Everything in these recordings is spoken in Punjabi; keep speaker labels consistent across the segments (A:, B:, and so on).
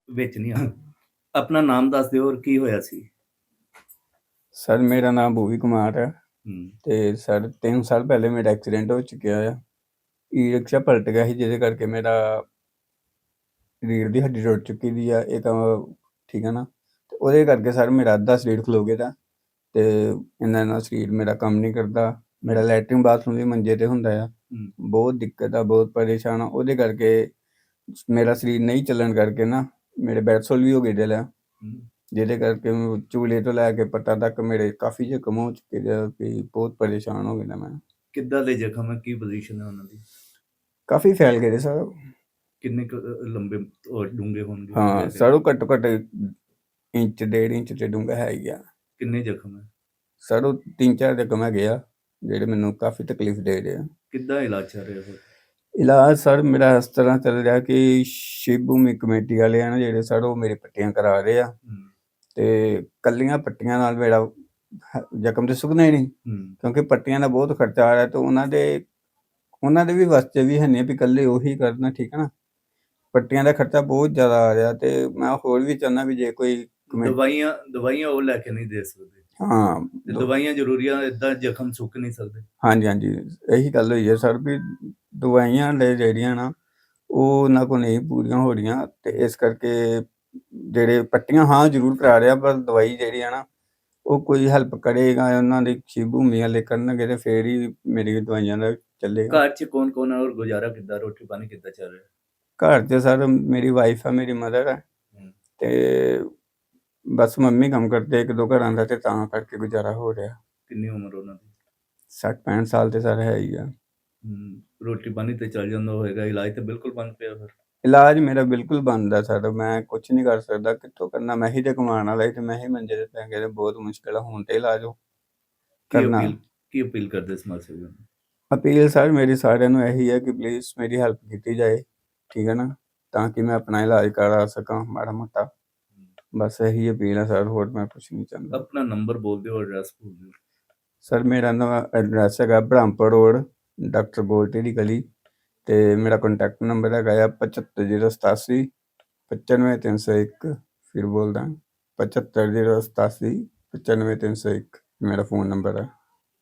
A: ਵਿੱਚ ਨਹੀਂ ਆਉਣਾ। ਆਪਣਾ ਨਾਮ ਦੱਸ ਦਿਓ ਔਰ ਕੀ ਹੋਇਆ ਸੀ?
B: ਸਰ ਮੇਰਾ ਨਾਮ ਭੂਵੀ ਕੁਮਾਰ ਹੈ
A: ਹੂੰ।
B: ਤੇ ਸਰ 3 ਸਾਲ ਪਹਿਲੇ ਮੇਰਾ ਐਕਸੀਡੈਂਟ ਹੋ ਚੁੱਕਿਆ ਆ। ਈ ਰਿਕਸ਼ਾ ਪਲਟ ਗਿਆ ਸੀ ਜਿਹਦੇ ਕਰਕੇ ਮੇਰਾ ਰੀੜ੍ਹ ਦੀ ਹੱਡੀ ਟੁੱਟ ਚੁੱਕੀ ਦੀ ਆ। ਇਹ ਤਾਂ ਠੀਕ ਹੈ ਨਾ, ਤੇ ਉਹਦੇ ਕਰਕੇ ਸਰ ਮੇਰਾ ਅੱਧਾ ਸਰੀਰ ਖਲੋ ਗਿਆ ਦਾ ਤੇ ਇੰਨਾ ਸਰੀਰ ਮੇਰਾ ਕੰਮ ਨਹੀਂ ਕਰਦਾ। ਮੇਰਾ ਲੈਟਰਿੰਗ ਬਾਥਰੂਮ ਵੀ ਮੰਜੇ ਤੇ ਹੁੰਦਾ ਆ। ਬਹੁਤ ਦਿੱਕਤ ਆ, ਬਹੁਤ ਪਰੇਸ਼ਾਨ ਆ। ਉਹਦੇ ਕਰਕੇ ਮੇਰਾ ਸਰੀਰ ਨਹੀਂ ਚੱਲਣ ਕਰਕੇ ਨਾ ਮੇਰੇ ਬੈਡਸੋਲ ਵੀ ਹੋ ਗਏ ਦਿਲ ਆ, ਜਿਹਦੇ ਕਰਕੇ ਚੂਲੇ ਤੋਂ ਲੈ ਕੇ ਪੱਟਾਂ ਤੱਕ ਮੇਰੇ ਕਾਫੀ ਜ਼ਖਮ ਹੋ ਚੁੱਕੇ ਆ ਕਿ ਬਹੁਤ ਪਰੇਸ਼ਾਨ ਹੋ ਗਿਆ ਮੈਂ।
A: ਕਿੱਦਾਂ ਦੇ ਜ਼ਖਮ ਹੈ? ਕੀ ਪੋਜੀਸ਼ਨ ਹੈ ਉਹਨਾਂ ਦੀ?
B: ਕਾਫੀ ਫੈਲ ਗਏ ਸਰ।
A: ਕਿੰਨੇ ਕੁ ਲੰਬੇ ਔਰ ਡੂੰਘੇ ਹੋਣਗੇ?
B: ਹਾਂ ਸਰ, ਉਹ ਘੱਟੋ ਘੱਟ ਇੰਚ 1.5 ਇੰਚ ਤੇ ਡੂੰਘਾ ਹੈ ਹੀ ਆ।
A: ਕਿੰਨੇ ਜ਼ਖਮ ਹੈ
B: ਸਰ? ਉਹ 3-4 ਜ਼ਖਮ ਹੈਗੇ ਆ ਜਿਹੜੇ ਮੈਨੂੰ ਕਾਫੀ ਤਕਲੀਫ ਦੇ ਰਹੇ ਆ।
A: ਕਿੱਦਾਂ ਇਲਾਜ ਚੱਲ ਰਿਹਾ ਸਰ?
B: ਇਲਾਜ ਸਰ ਮੇਰਾ ਇਸ ਤਰ੍ਹਾਂ ਚੱਲ ਰਿਹਾ ਕਿ ਸ਼ਿਵ ਭੂਮੀ ਕਮੇਟੀ ਵਾਲੇ ਆ ਨਾ ਜਿਹੜੇ ਸਰ, ਉਹ ਮੇਰੇ ਪੱਟੀਆਂ ਕਰਾ ਰਹੇ ਆ ਤੇ ਕੱਲੀਆਂ ਪੱਟੀਆਂ ਨਾਲ ਮੇਰਾ ਜ਼ਖਮ ਤੇ ਸੁੱਕਣਾ ਹੀ ਨਹੀਂ, ਕਿਉਂਕਿ ਪੱਟੀਆਂ ਦਾ ਬਹੁਤ ਖਰਚਾ ਆ ਰਿਹਾ ਤੇ ਉਹਨਾਂ ਦੇ ਵੀ ਵਾਸਤੇ ਵੀ ਹੈ ਨਹੀਂ ਵੀ ਇਕੱਲੇ ਉਹੀ ਕਰਨਾ, ਠੀਕ ਹੈ ਨਾ। ਪੱਟੀਆਂ ਦਾ ਖਰਚਾ ਬਹੁਤ ਜ਼ਿਆਦਾ ਆ ਰਿਹਾ ਤੇ ਮੈਂ ਹੋਰ ਵੀ ਚਾਹੁੰਦਾ ਵੀ ਜੇ ਕੋਈ
A: ਦਵਾਈਆਂ ਉਹ ਲੈ ਕੇ ਨਹੀਂ ਦੇ ਸਕਦੇ।
B: ਹਾਂ,
A: ਦਵਾਈਆਂ ਜ਼ਰੂਰੀਆਂ, ਏਦਾਂ ਜ਼ਖਮ ਸੁੱਕ ਨਹੀਂ ਸਕਦੇ।
B: ਹਾਂਜੀ, ਇਹੀ ਗੱਲ ਹੋਈ ਹੈ ਸਰ ਵੀ ਦਵਾਈਆਂ ਜਿਹੜੀਆਂ ਨਾ ਉਹ ਉਹਨਾਂ ਕੋਲ ਨਹੀਂ ਪੂਰੀਆਂ ਹੋ ਰਹੀਆਂ ਤੇ ਇਸ ਕਰਕੇ ਜਿਹੜੇ ਪੱਟੀਆਂ ਹਾਂ ਜ਼ਰੂਰ ਕਰਾ ਰਿਹਾ, ਪਰ ਦਵਾਈ ਜਿਹੜੀ ਆ ਨਾ ਉਹ ਕੋਈ ਹੈਲਪ ਕਰੇਗਾ ਉਹਨਾਂ ਦੀ ਸ਼ਿਵ ਭੂਮੀ ਵਾਲੇ ਕਰਨਗੇ ਤੇ ਫੇਰ ਹੀ ਮੇਰੀ ਦਵਾਈਆਂ ਦਾ ਚੱਲੇਗਾ।
A: ਘਰ 'ਚ ਕੌਣ ਔਰ ਗੁਜ਼ਾਰਾ ਕਿੱਦਾਂ, ਰੋਟੀ ਪਾਣੀ ਕਿੱਦਾਂ ਚੱਲ ਰਿਹਾ?
B: ਘਰ 'ਚ ਸਰ ਮੇਰੀ ਵਾਈਫ ਆ, ਮੇਰੀ ਮਦਰ ਆ ਤੇ ਬਸ ਮੰਮੀ ਕੰਮ ਕਰਦੇ 1-2 ਘਰਾਂ ਦਾ ਤੇ ਤਾਂ ਕਰਕੇ ਗੁਜ਼ਾਰਾ ਹੋ ਰਿਹਾ।
A: ਕਿੰਨੀ ਉਮਰ ਉਹਨਾਂ ਦੀ?
B: 60-65 ਸਾਲ ਤੇ ਸਰ ਹੈ ਹੀ ਆ।
A: ਰੋਟੀ ਪਾਣੀ ਤੇ ਚੱਲ ਜਾਂਦਾ ਹੋਏਗਾ, ਇਲਾਜ ਤੇ ਬਿਲਕੁਲ ਬੰਦ ਪਿਆ ਫਿਰ?
B: ਇਲਾਜ ਮੇਰਾ ਬਿਲਕੁਲ ਬੰਦ ਆ ਸਰ, ਮੈਂ ਕੁਛ ਨਹੀਂ ਕਰ ਸਕਦਾ। ਕਿੱਥੋਂ ਕਰਨਾ? ਮੈਂ ਹੀ ਤੇ ਕਮਾਉਣ ਵਾਲਾ ਤੇ ਮੈਂ ਹੀ ਮੰਜੇ ਤੇ ਪੈ ਗਿਆ ਤੇ ਬਹੁਤ ਮੁਸ਼ਕਿਲ ਆ ਹੁਣ ਤੇ ਇਲਾਜ ਕਰਨਾ।
A: ਕੀ ਅਪੀਲ ਕਰਦੇ ਸਮਾਜ ਸੇਵੀਆਂ ਨੂੰ?
B: ਅਪੀਲ ਸਰ ਮੇਰੀ ਸਾਰਿਆਂ ਨੂੰ ਇਹੀ ਹੈ ਕਿ ਪਲੀਜ਼ ਮੇਰੀ ਹੈਲਪ ਕੀਤੀ ਜਾਏ, ਠੀਕ ਹੈ ਨਾ, ਤਾਂ ਕਿ ਮੈਂ ਆਪਣਾ ਇਲਾਜ ਕਰਾ ਸਕਾਂ ਮਾੜਾ ਮੋਟਾ। ਬਸ ਇਹੀ ਅਪੀਲ ਹੈ ਸਰ, ਹੋਰ ਮੈਂ ਕੁਛ ਨਹੀਂ ਚਾਹੁੰਦਾ।
A: ਆਪਣਾ ਨੰਬਰ ਬੋਲ ਦਿਓ, ਐਡਰੈਸ ਬੋਲ ਦਿਓ।
B: ਸਰ ਮੇਰਾ ਨਵਾਂ ਐਡਰੈਸ ਹੈਗਾ ਬ੍ਰਹਮਪੁਰ ਰੋਡ, ਡਾਕਟਰ ਗੋਲਟੀ ਦੀ ਗਲੀ ਤੇ ਮੇਰਾ ਕੰਟੈਕਟ ਨੰਬਰ ਹੈਗਾ ਆ 75087 95301। ਫਿਰ ਬੋਲਦਾ 75087 95301 ਮੇਰਾ ਫੋਨ ਨੰਬਰ ਹੈ।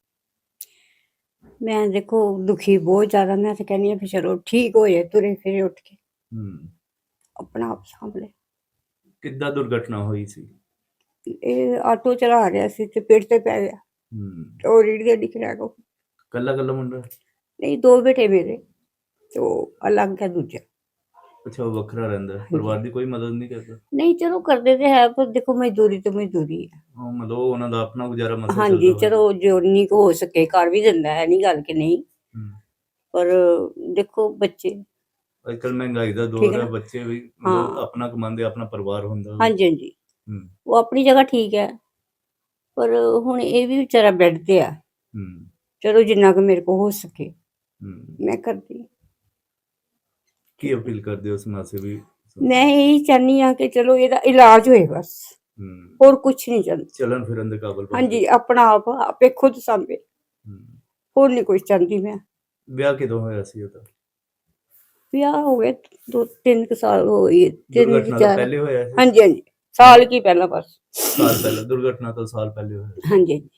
C: ਮੈਂ ਦੇਖੋ ਦੁਖੀ ਬਹੁਤ ਜ਼ਿਆਦਾ, ਮੈਂ ਤਾਂ ਕਹਿੰਦੀ ਹਾਂ ਵੀ ਚਲੋ ਠੀਕ ਹੋ ਜਾਏ, ਤੁਰੇ ਫਿਰੇ ਉੱਠ ਕੇ ਆਪਣਾ ਆਪ ਸਾਂਭ ਲੈ।
A: ਕਿੱਦਾਂ ਦੁਰਘਟਨਾ ਹੋਈ ਸੀ?
C: ਇਹ ਆਟੋ ਚਲਾ ਰਿਹਾ ਸੀ ਤੇ ਪੇੜ ਤੇ ਪੈ ਗਿਆ, ਉਹ ਰੀੜ੍ਹ ਦੀ ਹੱਡੀ ਖਰਾਬ ਹੋ ਗਈ।
A: ਕੱਲਾ ਮੁੰਡਾ?
C: ਨਹੀਂ, 2 ਬੇਟੇ ਮੇਰੇ ਤੇ ਉਹ ਅਲੱਗ ਹੈ ਦੂਜਾ।
A: ਅੱਛਾ, ਉਹ ਵੱਖਰਾ ਰਹਿੰਦਾ? ਪਰਿਵਾਰ ਦੀ ਕੋਈ ਮਦਦ ਨਹੀਂ ਕਰਦਾ?
C: ਨਹੀਂ, ਚਲੋ ਕਰਦੇ ਤੇ ਹੈ, ਪਰ ਦੇਖੋ ਮਜ਼ਦੂਰੀ ਤੇ ਮਜ਼ਦੂਰੀ ਹੈ।
A: ਮਤਲਬ ਉਹਨਾਂ ਦਾ ਆਪਣਾ ਗੁਜ਼ਾਰਾ ਮਸਲਾ ਚੱਲਦਾ?
C: ਹਾਂਜੀ, ਚਲੋ ਜਿੰਨੀ ਕੁ ਹੋ ਸਕੇ ਕਰ ਵੀ ਦਿੰਦਾ ਹੈ, ਨਹੀਂ ਗੱਲ ਕਿ ਨਹੀਂ, ਪਰ ਦੇਖੋ ਬੱਚੇ
A: ਅੱਜ ਕੱਲ੍ਹ ਮਹਿੰਗਾਈ ਦਾ ਦੌਰ ਹੈ, ਬੱਚੇ ਵੀ ਆਪਣਾ ਕਮਾਉਂਦੇ, ਆਪਣਾ ਪਰਿਵਾਰ ਹੁੰਦਾ।
C: ਹਾਂਜੀ, ਉਹ ਆਪਣੀ ਜਗ੍ਹਾ ਠੀਕ ਹੈ, ਪਰ ਹੁਣ ਇਹ ਵੀ ਵਿਚਾਰਾ ਬੈੱਡ ਤੇ ਆ। ਚਲੋ ਜਿੰਨਾ ਕੁ ਮੇਰੇ ਕੋਲ ਹੋ ਸਕੇ ਮੈਂ ਕਰਦੀ।
A: ਕੀ ਅਪੀਲ ਕਰਦੇ ਹੋ ਸਮਾਜ ਸੇਵੀ?
C: ਮੈਂ ਇਹੀ ਚਾਹੁੰਦੀ ਹਾਂ ਕਿ ਚਲੋ ਇਹਦਾ ਇਲਾਜ ਹੋਏ, ਬਸ ਹੋਰ ਕੁਛ ਨਹੀਂ ਚਾਹੁੰਦੀ।
A: ਚੱਲਣ ਫਿਰਨ ਦੇ ਕਾਬਲ?
C: ਹਾਂਜੀ, ਆਪਣਾ ਆਪ ਆਪੇ ਖੁਦ ਸਾਂਭੇ, ਹੋਰ ਨਹੀਂ ਕੁਛ ਚਾਹੁੰਦੀ ਮੈਂ।
A: ਵਿਆਹ ਕਿਦੋਂ ਹੋਇਆ ਸੀ ਉਹਦਾ?
C: ਵਿਆਹ ਹੋ ਗਏ 2-3 ਸਾਲ ਹੋ ਗਏ।
A: 3-4 ਪਹਿਲੇ ਹੋਇਆ ਸੀ?
C: ਹਾਂਜੀ, ਸਾਲ ਕੀ ਪਹਿਲਾਂ, ਬਸ
A: ਸਾਲ ਪਹਿਲਾਂ? ਦੁਰਘਟਨਾ ਤੋਂ ਸਾਲ ਪਹਿਲੇ ਹੋਇਆ?
C: ਹਾਂਜੀ।